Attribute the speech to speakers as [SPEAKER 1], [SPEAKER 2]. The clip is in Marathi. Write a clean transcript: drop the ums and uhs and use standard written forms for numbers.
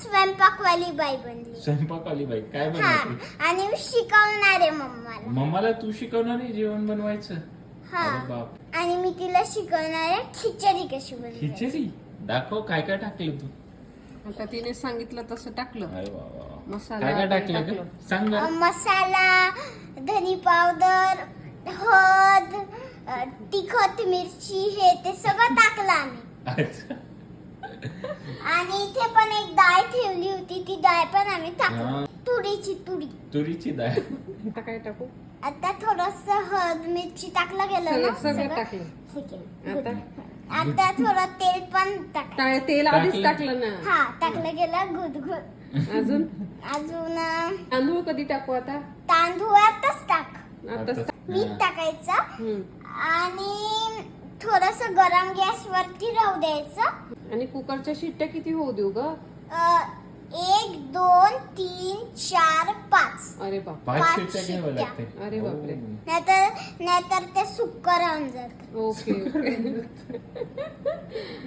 [SPEAKER 1] स्वयंपाकवाली बाई बनली.
[SPEAKER 2] स्वयंपाकवाली बाई काय
[SPEAKER 1] हा
[SPEAKER 2] बनवते?
[SPEAKER 1] आणि मी शिकवणार आहे मम्माला.
[SPEAKER 2] मम्माला तू शिकवणार आहे जेवण बनवायचं?
[SPEAKER 1] हा
[SPEAKER 2] अरे बाप.
[SPEAKER 1] आणि मी तिला शिकवणार आहे खिचडी कशी बनवायची.
[SPEAKER 2] खिचडी दाखव, काय काय टाकलं तू?
[SPEAKER 3] आता तिने सांगितलं तसं टाकलं.
[SPEAKER 2] अरे वा वा.
[SPEAKER 3] मसाला
[SPEAKER 2] काय काय टाकलं
[SPEAKER 3] टाकलं.
[SPEAKER 2] ग? सांग ना.
[SPEAKER 1] मसाला, धनी पावडर, हळद, तिखट, मिरची हे ते सगळं टाकलं आम्ही.
[SPEAKER 2] अच्छा.
[SPEAKER 1] आणि इथे पण एक डाळ ठेवली होती, ती डाळ पण आम्ही
[SPEAKER 2] हा.
[SPEAKER 1] टाकली. तुरीची डाळ.
[SPEAKER 3] आता काय टाकू?
[SPEAKER 1] आता थोडस हळद मिरची टाकलं गेलं ना
[SPEAKER 3] सगळं टाकलं.
[SPEAKER 1] ठीक आहे.
[SPEAKER 3] आता
[SPEAKER 1] आता थोडं तेल पण टाक.
[SPEAKER 3] तेल आधीच
[SPEAKER 2] टाकलं.
[SPEAKER 3] टाकलं ना.
[SPEAKER 1] हा टाकलं गेलं गुदगुद.
[SPEAKER 3] अजून
[SPEAKER 1] अजून
[SPEAKER 3] तांदूळ कधी टाकू आता?
[SPEAKER 1] तांदूळातच टाक.
[SPEAKER 3] आता
[SPEAKER 1] मीठ टाकायचं आणि थोडस गरम गॅस वरती राहू द्यायचं.
[SPEAKER 3] आणि कुकरच्या शिट्ट्या किती होऊ देऊ ग?
[SPEAKER 1] 1 2 3 4 5.
[SPEAKER 3] अरे बाप.
[SPEAKER 2] 5
[SPEAKER 1] 5
[SPEAKER 2] शिट्ट्या घ्याव्या
[SPEAKER 1] शिट्ट्या.
[SPEAKER 2] लागते.
[SPEAKER 3] अरे बापरे.
[SPEAKER 1] नाहीतर ते सुक्क राहून जात.
[SPEAKER 3] Okay okay